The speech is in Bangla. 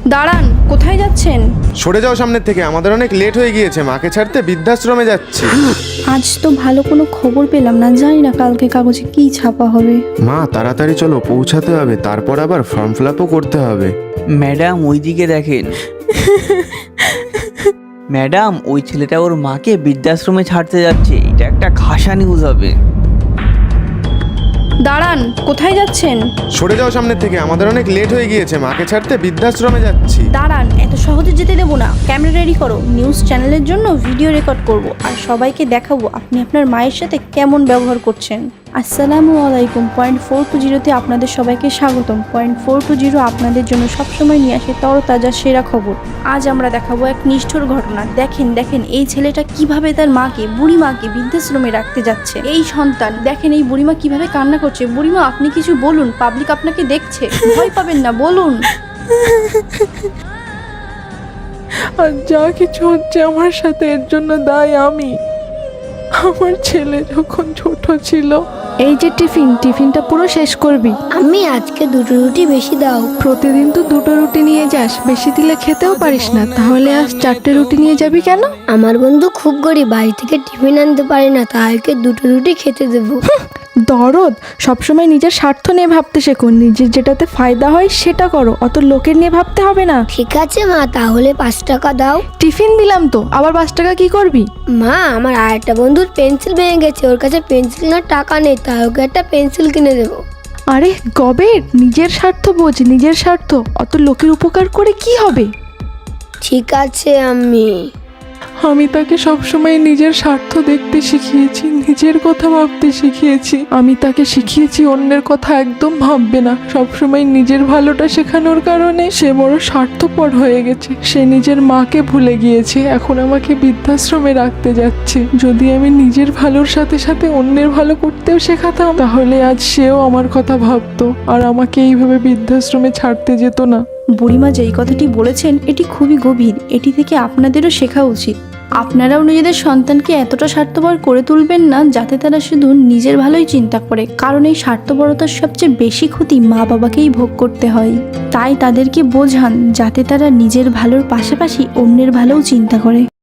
দাঁড়ান, কোথায় যাচ্ছেন? সরে যাও সামনের থেকে, আমাদের অনেক লেট হয়ে গিয়েছে, মাকে ছাড়তে বৃদ্ধাশ্রমে যাচ্ছি। আজ তো ভালো কোনো খবর পেলাম না, জানি না কালকে কাগজে কি ছাপা হবে। মা তাড়াতাড়ি চলো, পৌঁছাতে হবে, তারপর আবার ফর্ম ফিল আপও করতে হবে। ম্যাডাম ওইদিকে দেখেন। ম্যাডাম ওই ছেলেটা ওর মাকে বৃদ্ধাশ্রমে ছাড়তে যাচ্ছে, এটা একটা খাসা নিউজ হবে। দাঁড়ান, কোথায় যাচ্ছেন? সরে যাও সামনের থেকে, আমাদের অনেক লেট হয়ে গিয়েছে, মাকে ছাড়তে বৃদ্ধাশ্রমে যাচ্ছি। দাঁড়ান, এত সহজে যেতে দেবো না। ক্যামেরা রেডি করো, নিউজ চ্যানেলের জন্য ভিডিও রেকর্ড করব আর সবাইকে দেখাবো আপনি আপনার মায়ের সাথে কেমন ব্যবহার করছেন। আসসালামু আলাইকুম। 420-তে আপনাদের সবাইকে স্বাগতম। 420 আপনাদের জন্য সবসময় নিয়ে আসে তরতাজা সেরা খবর। আজ আমরা দেখাবো এক নিষ্ঠুর ঘটনা। দেখেন এই ছেলেটা কিভাবে তার মাকে, বুড়ি মাকে বৃদ্ধাশ্রমে রাখতে যাচ্ছে। এই সন্তান দেখেন, এই বুড়িমা কিভাবে কান্না করছে। বুড়িমা আপনি কিছু বলুন, পাবলিক আপনাকে দেখছে, ভয় পাবেন না, বলুন। আর যা কিছু হচ্ছে আমার সাথে, এর জন্য দায়ী আমি। আমার ছেলে যখন ছোট ছিল। এই যে টিফিনটা পুরো শেষ করবি। আমি আজকে 2টো রুটি বেশি দাও। প্রতিদিন তো 2টো রুটি নিয়ে যাস, বেশি দিলে খেতেও পারিস না, তাহলে আজ 4টে রুটি নিয়ে যাবি কেন? আমার বন্ধু খুব গরিব, বাড়ি থেকে টিফিন আনতে পারে না, তাইকে 2টো রুটি খেতে দেবো। দরদ, সবসময় নিজের স্বার্থ নিয়ে ভাবতে শেখো, নিজের যেটাতে ফায়দা হয় সেটা করো, অত লোকের নিয়ে ভাবতে হবে না। ঠিক আছে মা, তাহলে 5 টাকা দাও। টিফিন দিলাম তো, আবার 5 টাকা কি করবি? মা, আমার আরেকটা বন্ধুর পেন্সিল ভেঙে গেছে, ওর কাছে পেন্সিল না টাকা নেই, তাই ওকে একটা পেন্সিল কিনে দেবো। আরে গবেট, নিজের স্বার্থ বোঝ, নিজের স্বার্থ, অত লোকের উপকার করে কি হবে? ঠিক আছে আমি তাকে সবসময় নিজের স্বার্থ দেখতে শিখিয়েছি, নিজের কথা ভাবতে শিখিয়েছি। আমি তাকে শিখিয়েছি অন্যের কথা একদম ভাববে না, সবসময় নিজের ভালোটা শেখানোর কারণে সে বড় স্বার্থপর হয়ে গেছে। সে নিজের মাকে ভুলে গিয়েছে, এখন আমাকে বৃদ্ধাশ্রমে রাখতে যাচ্ছে। যদি আমি নিজের ভালোর সাথে সাথে অন্যের ভালো করতেও শেখাতাম, তাহলে আজ সেও আমার কথা ভাবতো আর আমাকে এইভাবে বৃদ্ধাশ্রমে ছাড়তে যেত না। বুড়িমা যেই কথাটি বলেছেন এটি খুবই গভীর, এটি থেকে আপনাদেরও শেখা উচিত। আপনারাও নিজেদের সন্তানকে এতটা স্বার্থপর করে তুলবেন না যাতে তারা শুধু নিজের ভালোই চিন্তা করে, কারণ এই স্বার্থপরতার সবচেয়ে বেশি ক্ষতি মা বাবাকেই ভোগ করতে হয়। তাই তাদেরকে বোঝান যাতে তারা নিজের ভালোর পাশাপাশি অন্যের ভালোও চিন্তা করে।